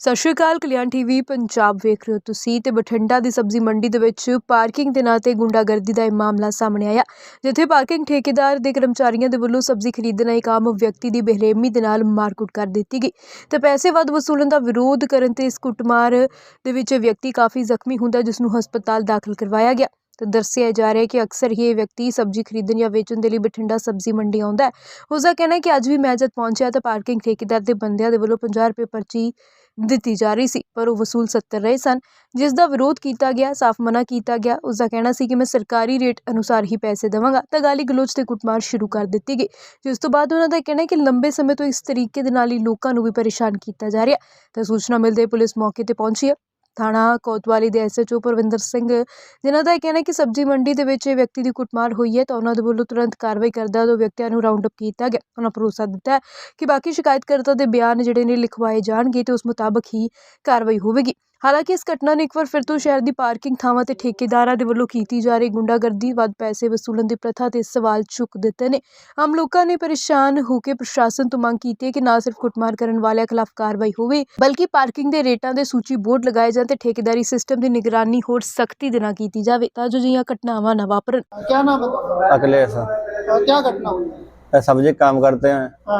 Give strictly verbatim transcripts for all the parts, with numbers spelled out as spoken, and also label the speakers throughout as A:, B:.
A: ਸਤਿ ਸ਼੍ਰੀ ਅਕਾਲ। ਕਲਿਆਣ ਟੀਵੀ ਪੰਜਾਬ ਵੇਖ ਰਹੇ ਹੋ ਤੁਸੀਂ ਤੇ ਬਠਿੰਡਾ ਦੀ ਸਬਜ਼ੀ ਮੰਡੀ ਦੇ ਵਿੱਚ ਪਾਰਕਿੰਗ ਦੇ ਨਾਂ ਤੇ ਗੁੰਡਾਗਰਦੀ ਦਾ ਇਹ ਮਾਮਲਾ ਸਾਹਮਣੇ ਆਇਆ, ਜਿੱਥੇ ਪਾਰਕਿੰਗ ਠੇਕੇਦਾਰ ਦੇ ਕਰਮਚਾਰੀਆਂ ਦੇ ਵੱਲੋਂ ਸਬਜ਼ੀ ਖਰੀਦਣ ਆਏ ਇੱਕ ਆਮ ਵਿਅਕਤੀ ਦੀ ਬੇਰਹਿਮੀ ਦੇ ਨਾਲ ਮਾਰਕੁੱਟ ਕਰ ਦਿੱਤੀ ਗਈ ਤੇ ਪੈਸੇ ਵੱਧ ਵਸੂਲਣ ਦਾ ਵਿਰੋਧ ਕਰਨ ਤੇ ਇਸ ਕੁੱਟਮਾਰ ਦੇ ਵਿੱਚ ਵਿਅਕਤੀ ਕਾਫੀ ਜ਼ਖਮੀ ਹੁੰਦਾ, ਜਿਸ ਨੂੰ ਹਸਪਤਾਲ ਦਾਖਲ ਕਰਵਾਇਆ ਗਿਆ। ਤੇ ਦੱਸਿਆ ਜਾ ਰਿਹਾ ਹੈ ਕਿ ਅਕਸਰ ਹੀ ਇਹ ਵਿਅਕਤੀ ਸਬਜ਼ੀ ਖਰੀਦਣ ਜਾਂ ਵੇਚਣ ਦੇ ਲਈ ਬਠਿੰਡਾ ਸਬਜ਼ੀ ਮੰਡੀ ਆਉਂਦਾ ਹੈ। ਉਸ ਦਾ ਕਹਿਣਾ ਹੈ ਕਿ ਅੱਜ ਵੀ ਮੈਂ ਜਦ ਪਹੁੰਚਿਆ ਤਾਂ ਪਾਰਕਿੰਗ ਠੇਕੇਦਾਰ ਦੇ ਬੰਦਿਆਂ ਦੇ ਵੱਲੋਂ ਪੰਜਾਹ ਰੁਪਏ ਪਰਚੀ ਦਿੱਤੀ ਜਾ ਰਹੀ ਸੀ, ਪਰ ਉਹ ਵਸੂਲ ਸੱਤਰ ਰਹੇ ਸਨ, ਜਿਸ ਦਾ ਵਿਰੋਧ ਕੀਤਾ ਗਿਆ, ਸਾਫ਼ ਮਨਾ ਕੀਤਾ ਗਿਆ। ਉਸ ਦਾ ਕਹਿਣਾ ਸੀ ਕਿ ਮੈਂ ਸਰਕਾਰੀ ਰੇਟ ਅਨੁਸਾਰ ਹੀ ਪੈਸੇ ਦੇਵਾਂਗਾ ਤਾਂ ਗਾਲੀ ਗਲੋਚ ਤੇ ਕੁੱਟਮਾਰ ਸ਼ੁਰੂ ਕਰ ਦਿੱਤੀ ਗਈ, ਜਿਸ ਤੋਂ ਬਾਅਦ ਉਹਨਾਂ ਦਾ ਕਹਿਣਾ ਹੈ ਕਿ ਲੰਬੇ ਸਮੇਂ ਤੋਂ ਇਸ ਤਰੀਕੇ ਦੇ ਨਾਲ ਹੀ ਲੋਕਾਂ ਨੂੰ ਵੀ ਪਰੇਸ਼ਾਨ ਕੀਤਾ ਜਾ ਰਿਹਾ। ਤਾਂ ਸੂਚਨਾ ਮਿਲਦੇ ਪੁਲਿਸ ਮੌਕੇ ਤੇ ਪਹੁੰਚੀ ਹੈ। ਥਾਣਾ ਕੋਤਵਾਲੀ ਦੇ S H O Parvinder Singh, ਜਿਨ੍ਹਾਂ ਦਾ ਇਹ ਕਹਿਣਾ ਕਿ ਸਬਜ਼ੀ ਮੰਡੀ ਦੇ ਵਿੱਚ ਇਹ ਵਿਅਕਤੀ ਦੀ ਕੁੱਟਮਾਰ ਹੋਈ ਹੈ, ਤਾਂ ਉਹਨਾਂ ਦੇ ਵੱਲੋਂ ਤੁਰੰਤ ਕਾਰਵਾਈ ਕਰਦਾ ਦੋ ਵਿਅਕਤੀਆਂ ਨੂੰ ਰਾਉਂਡ ਅਪ ਕੀਤਾ ਗਿਆ। ਉਹਨਾਂ ਭਰੋਸਾ ਦਿੱਤਾ ਕਿ ਬਾਕੀ ਸ਼ਿਕਾਇਤਕਰਤਾ ਦੇ ਬਿਆਨ ਜਿਹੜੇ ਨੇ ਲਿਖਵਾਏ ਜਾਣਗੇ ਤੇ ਉਸ ਮੁਤਾਬਕ ਹੀ ਕਾਰਵਾਈ ਹੋਵੇਗੀ। ਹਾਲਾਂਕਿ ਇਸ ਘਟਨਾ ਨੇ ਇੱਕ ਵਾਰ ਫਿਰ ਤੋਂ ਸ਼ਹਿਰ ਦੀ ਪਾਰਕਿੰਗ ਥਾਵਾਂ ਤੇ ਠੇਕੇਦਾਰਾਂ ਦੇ ਵੱਲੋਂ ਕੀਤੀ ਜਾ ਰਹੀ ਗੁੰਡਾਗਰਦੀ, ਵੱਧ ਪੈਸੇ ਵਸੂਲਣ ਦੀ ਪ੍ਰਥਾ ਤੇ ਸਵਾਲ ਚੁੱਕ ਦਿੱਤੇ ਨੇ। ਆਮ ਲੋਕਾਂ ਨੇ ਪਰੇਸ਼ਾਨ ਹੋ ਕੇ ਪ੍ਰਸ਼ਾਸਨ ਤੋਂ ਮੰਗ ਕੀਤੀ ਹੈ ਕਿ ਨਾ ਸਿਰਫ ਕੁੱਟਮਾਰ ਕਰਨ ਵਾਲਿਆਂ ਖਿਲਾਫ ਕਾਰਵਾਈ ਹੋਵੇ, ਬਲਕਿ ਪਾਰਕਿੰਗ ਦੇ ਰੇਟਾਂ ਦੇ ਸੂਚੀ ਬੋਰਡ ਲਗਾਏ ਜਾਣ ਤੇ ਠੇਕੇਦਾਰੀ ਸਿਸਟਮ ਦੀ ਨਿਗਰਾਨੀ ਹੋਰ ਸਖਤੀ ਦੇ ਨਾਲ ਕੀਤੀ जावे ਤਾਂ जो जिहियां घटनावां ना वापरन।
B: क्या नाम है?
C: अखिलेश।
B: अ, क्या घटना हुई?
C: सब्जी काम करते हैं।
B: हाँ।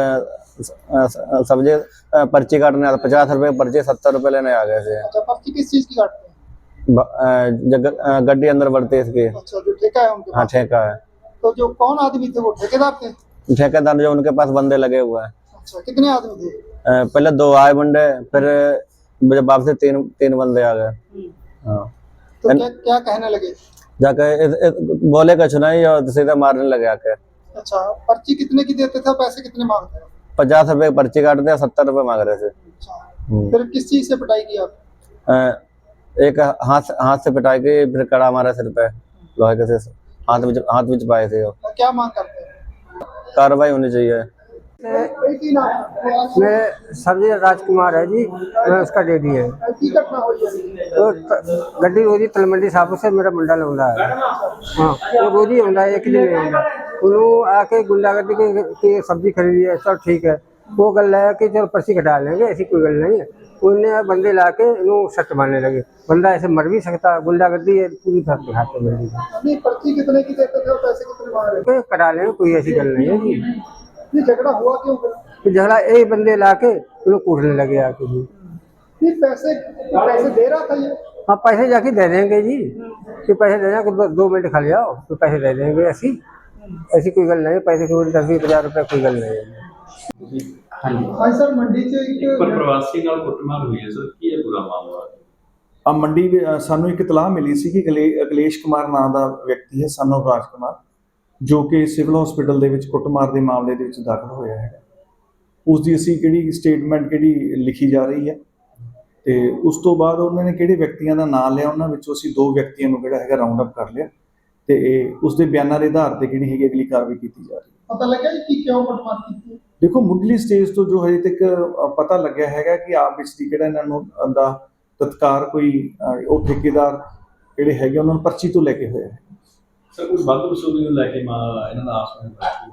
C: अ, स- सब्जी अ, पर्ची काटने आते, पचास रुपए की पर्ची सत्तर रुपए लेने आ गए थे।
B: अच्छा, पर्ची किस चीज की काटते हैं?
C: ब- अ, जग अ, गड्डी अंदर बढ़ती है इसकी।
B: अच्छा, जो ठेका है उनके
C: हाँ
B: पास।
C: ठेका है।
B: तो जो कौन आदमी थे वो ठेकेदार थे?
C: ठेकेदार जो उनके पास बंदे लगे हुए हैं।
B: अच्छा, कितने आदमी थे?
C: अ, पहले दो आए बंदे, फिर जब वापस तीन तीन बंदे आ गए। हाँ।
B: तो क्या क्या कहने लगे?
C: जाके इस- इस- बोले कुछ नहीं और सीधे मारने लगे आके।
B: अच्छा, पर्ची कितने की देते थे, पैसे कितने मांगते थे?
C: पचास रुपए की पर्ची काटते हैं, सत्तर रुपए मांग रहे थे।
B: अच्छा,
C: हम्म।
B: फिर किस चीज से पिटाई की आप?
C: अ, एक हाथ हाथ से पिटाई की, फिर कड़ा मारा सिर पे लोहे के से, हाथ में हाथ में पाए थे। वो
B: क्या मांग करते हैं?
C: कार्रवाई होनी चाहिए।
B: एक ही नाम है?
D: मेरे सब्जी राजकुमार है जी, मैं उसका डैडी है।
B: की घटना हुई है?
D: तो त- गड्डी रोजी तलमंडी साहब से मेरा मुंडा लाउंदा है। हाँ, वो रोजी आउंदा है, एक दिन नहीं आउंदा। उन्होंने आके गुंडागर्दी की की सब्जी खरीदी है, सब ठीक है। वो गल है कि चलो पर्ची कटा लेंगे, ऐसी कोई गल नहीं है। उन्हें बंदे ला के इन्हों सट मारने लगे। बंदा ऐसे मर भी सकता, गुंडागर्दी है पूरी तरह के हाथ में।
B: नहीं, पर्ची कितने की देते थे और पैसे कितने मांग रहे थे?
D: कोई कटा लेंगे, कोई ऐसी गल नहीं है जी।
B: ये झगड़ा हुआ क्यों फिर?
D: तो झगड़ा एक बंदे ला के उन्हें कूटने लगे आके जी।
B: नहीं, पैसे पैसे दे रहा था ये?
D: हाँ, पैसे जाके दे देंगे जी, कि पैसे दे देंगे, दो, दो मिनट खा लिया तो पैसे दे देंगे। ऐसी ऐसी कोई गल नहीं, पैसे को दस बीस हज़ार रुपये कोई गल नहीं है।
B: भाई सर, मंडी च एक
E: ਪਰ ਪ੍ਰਵਾਸੀ ਨਾਲ ਕੁੱਟਮਾਰ ਹੋਈ ਹੈ ਸਰ, ਕੀ ਹੈ ਪੂਰਾ ਮਾਮਲਾ?
F: ਆ ਮੰਡੀ ਵੀ- ਅ, ਸਾਨੂੰ ਇੱਕ ਇਤਲਾਹ ਮਿਲੀ ਸੀ ਕਿ ਅਖਿਲੇ- ਅਖਿਲੇਸ਼ ਕੁਮਾਰ ਨਾਂ ਦਾ ਵਿਅਕਤੀ ਹੈ, ਸਨ ਆਫ ਰਾਜ ਕੁਮਾਰ, ਜੋ ਕਿ ਸਿਵਲ ਹਸਪੀਟਲ ਦੇ ਵਿੱਚ ਕੁੱਟਮਾਰ ਦੇ ਮਾਮਲੇ ਦੇ ਵਿੱਚ ਦਾਖਲ ਹੋਇਆ ਹੈ। ਉਸ ਦੀ ਅਸੀਂ ਕਿਹੜੀ ਸਟੇਟਮੈਂਟ ਕਿਹੜੀ ਲਿਖੀ ਜਾ ਰਹੀ ਹੈ ਤੇ ਉਸ ਤੋਂ ਬਾਅਦ ਉਹਨਾਂ ਨੇ ਕਿਹੜੇ ਵਿਅਕਤੀਆਂ ਦਾ ਨਾਮ ਲਿਆ, ਉਹਨਾਂ ਵਿੱਚੋਂ ਅਸੀਂ ਦੋ ਵਿਅਕਤੀਆਂ ਨੂੰ ਜਿਹੜਾ ਹੈਗਾ ਰਾਉਂਡ ਅਪ ਕਰ ਲਿਆ ਤੇ ਇਹ ਉਸ ਦੇ ਬਿਆਨਾਂ ਦੇ ਆਧਾਰ ਤੇ ਜਿਹੜੀ ਹੈਗੀ ਅਗਲੀ ਕਾਰਵਾਈ ਕੀਤੀ ਜਾ ਰਹੀ ਹੈ।
B: ਪਤਾ ਲੱਗਿਆ ਜੀ ਕਿ ਕਿਉਂ ਕੁੱਟਮਾਰ ਕੀਤੀ?
F: ਦੇਖੋ, ਮੁੱਢਲੀ ਸਟੇਜ ਤੋਂ ਜੋ ਹਜੇ ਤੱਕ ਅ, ਪਤਾ ਲੱਗਿਆ ਹੈਗਾ ਕਿ ਆਪ ਵਿੱਚ ਦੀ ਕਿਹੜਾ ਇਹਨਾਂ ਨੂੰ ਦਾ ਤਤਕਾਰ ਕੋਈ ਅ, ਉਹ ਠੇਕੇਦਾਰ ਜਿਹੜੇ ਹੈਗੇ ਉਹਨਾਂ ਨੂੰ ਪਰਚੀ ਤੋਂ ਲੈ ਕੇ ਹੋਇਆ ਹੈ।
E: ਸਰ ਕੋਈ ਵੱਧ ਵਸੂਲੀ ਨੂੰ ਲੈ ਕੇ ਮਾ ਇਹਨਾਂ ਦਾ ਆਸ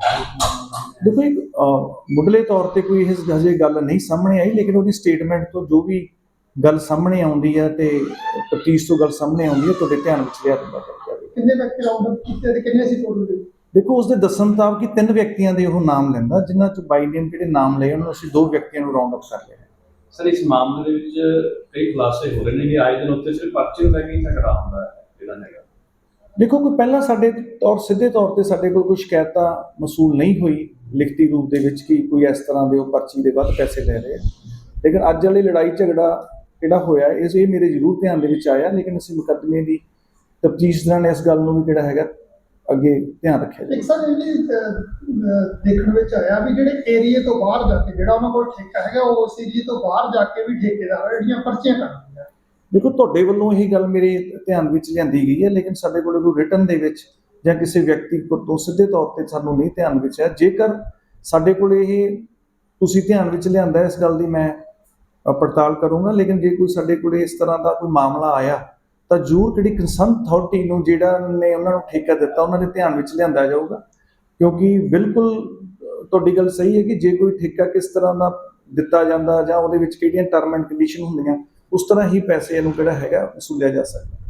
E: ਹੈ?
F: ਦੇਖੋ, ਇੱਕ ਅ, ਮੁੱਢਲੇ ਤੌਰ ਤੇ ਕੋਈ ਇਹ ਹਜੇ ਗੱਲ ਨਹੀਂ ਸਾਹਮਣੇ ਆਈ, ਲੇਕਿਨ ਉਹਦੀ ਸਟੇਟਮੈਂਟ ਤੋਂ ਜੋ ਵੀ ਗੱਲ ਸਾਹਮਣੇ ਆਉਂਦੀ ਹੈ ਤੇ ਤਫਤੀਸ਼ ਤੋਂ ਗੱਲ ਸਾਹਮਣੇ ਆਉਂਦੀ ਹੈ ਤੁਹਾਡੇ ਧਿਆਨ ਵਿੱਚ ਲਿਆ ਦਿੱਤਾ ਜਾਵੇ।
B: ਕਿੰਨੇ ਵਿਅਕਤੀ ਰਾਉਂਡ ਅਪ ਕੀਤੇ ਤੇ ਕਿੰਨੇ ਸੀ ਟੋਟਲ ਦੇ?
F: ਦੇਖੋ, ਉਸਦੇ ਦੱਸਣ ਮੁਤਾਬਕ ਕਿ ਤਿੰਨ ਵਿਅਕਤੀਆਂ ਦੇ ਉਹ ਨਾਮ ਲੈਂਦਾ, ਜਿਨ੍ਹਾਂ ਚ ਬਾਈ ਨੇਮ ਜਿਹੜੇ ਨਾਮ ਲਏ ਉਹਨਾਂ ਨੂੰ ਅਸੀਂ ਦੋ ਵਿਅਕਤੀਆਂ ਨੂੰ ਰਾਉਂਡ ਅਪ ਕਰ ਲਿਆ।
E: ਸਰ ਇਸ ਮਾਮਲੇ ਦੇ ਵਿੱਚ ਕਈ ਖੁਲਾਸੇ ਹੋ ਰਹੇ ਨੇ ਕਿ ਆਏ ਦਿਨ ਉੱਤੇ ਸਿਰਫ ਪਰਚੇ ਨੂੰ ਲੈ ਕੇ ਹੀ ਝਗੜਾ ਹੁੰਦਾ ਹੈ ਜਿਹੜਾ ਹੈਗਾ।
F: ਦੇਖੋ, ਕੋਈ ਪਹਿਲਾਂ ਸਾਡੇ ਤੌਰ ਸਿੱਧੇ ਤੌਰ ਤੇ ਸਾਡੇ ਕੋਲ ਕੋਈ ਸ਼ਿਕਾਇਤਾਂ ਮਸੂਲ ਨਹੀਂ ਹੋਈ ਲਿਖਤੀ ਰੂਪ ਦੇ ਵਿੱਚ ਕਿ ਕੋਈ ਇਸ ਤਰ੍ਹਾਂ ਦੇ ਉਹ ਪਰਚੀ ਦੇ ਵੱਧ ਪੈਸੇ ਲੈ ਰਹੇ ਆ, ਲੇਕਿਨ ਅੱਜ ਵਾਲੀ ਲੜਾਈ ਝਗੜਾ ਜਿਹੜਾ ਹੋਇਆ ਇਸ ਇਹ ਮੇਰੇ ਜ਼ਰੂਰ ਧਿਆਨ ਦੇ ਵਿੱਚ ਆਇਆ, ਲੇਕਿਨ ਅਸੀਂ ਮੁਕੱਦਮੇ ਦੀ ਤਫਤੀਸ਼ ਦੌਰਾਨ ਇਸ ਗੱਲ ਨੂੰ ਵੀ ਜਿਹੜਾ ਹੈਗਾ ਅੱਗੇ ਧਿਆਨ ਰੱਖਿਆ ਜਾਵੇ।
B: ਇੱਕ ਸਰ ਇਹ ਵੀ ਅਹ, ਅਹ, ਦੇਖਣ ਵਿੱਚ ਆਇਆ ਵੀ ਜਿਹੜੇ ਏਰੀਏ ਤੋਂ ਬਾਹਰ ਜਾ ਕੇ ਜਿਹੜਾ ਉਹਨਾਂ ਕੋਲ ਠੇਕਾ ਹੈਗਾ, ਉਹ ਉਸ ਏਰੀਏ ਤੋਂ ਬਾਹਰ ਜਾ ਕੇ ਵੀ ਠੇਕੇਦਾਰ ਜਿਹੜੀਆਂ ਪਰਚੀਆਂ ਕੱਢਦੇ ਆ।
F: ਦੇਖੋ, ਤੁਹਾਡੇ ਵੱਲੋਂ ਇਹ ਗੱਲ ਮੇਰੇ ਧਿਆਨ ਵਿੱਚ ਲਿਆਂਦੀ ਗਈ ਹੈ, ਲੇਕਿਨ ਸਾਡੇ ਕੋਲ ਕੋਈ ਰਿਟਨ ਦੇ ਵਿੱਚ ਜਾਂ ਕਿਸੇ ਵਿਅਕਤੀ ਤੋਂ ਸਿੱਧੇ ਤੌਰ ਤੇ ਸਾਨੂੰ ਨਹੀਂ ਧਿਆਨ ਵਿੱਚ ਹੈ। ਜੇਕਰ ਸਾਡੇ ਕੋਲ ਇਹ ਤੁਸੀਂ ਧਿਆਨ ਵਿੱਚ ਲਿਆਂਦਾ ਇਸ ਗੱਲ ਦੀ ਮੈਂ ਅ, ਪੜਤਾਲ ਕਰੂੰਗਾ, ਲੇਕਿਨ ਜੇ ਕੋਈ ਸਾਡੇ ਕੋਲ ਇਸ ਤਰ੍ਹਾਂ ਦਾ ਕੋਈ ਮਾਮਲਾ ਆਇਆ ਤਾਂ ਜ਼ਰੂਰ ਜਿਹੜੀ ਕੰਸਰਨ ਅਥਾਰਟੀ ਨੂੰ ਜਿਹੜਾ ਨੇ ਉਹਨਾਂ ਨੂੰ ਠੇਕਾ ਦਿੱਤਾ ਉਹਨਾਂ ਦੇ ਧਿਆਨ ਵਿੱਚ ਲਿਆਂਦਾ ਜਾਊਗਾ, ਕਿਉਂਕਿ ਬਿਲਕੁਲ ਤੁਹਾਡੀ ਗੱਲ ਸਹੀ ਹੈ ਕਿ ਜੇ ਕੋਈ ਠੇਕਾ ਕਿਸ ਤਰ੍ਹਾਂ ਦਾ ਦਿੱਤਾ ਜਾਂਦਾ ਜਾਂ ਉਹਦੇ ਵਿੱਚ ਕਿਹੜੀਆਂ ਟਰਮ ਐਂਡ ਕੰਡੀਸ਼ਨ ਹੁੰਦੀਆਂ, ਉਸ ਤਰ੍ਹਾਂ ਹੀ ਪੈਸੇ ਇਹਨੂੰ ਜਿਹੜਾ ਹੈਗਾ ਵਸੂਲਿਆ ਜਾ ਸਕਦਾ।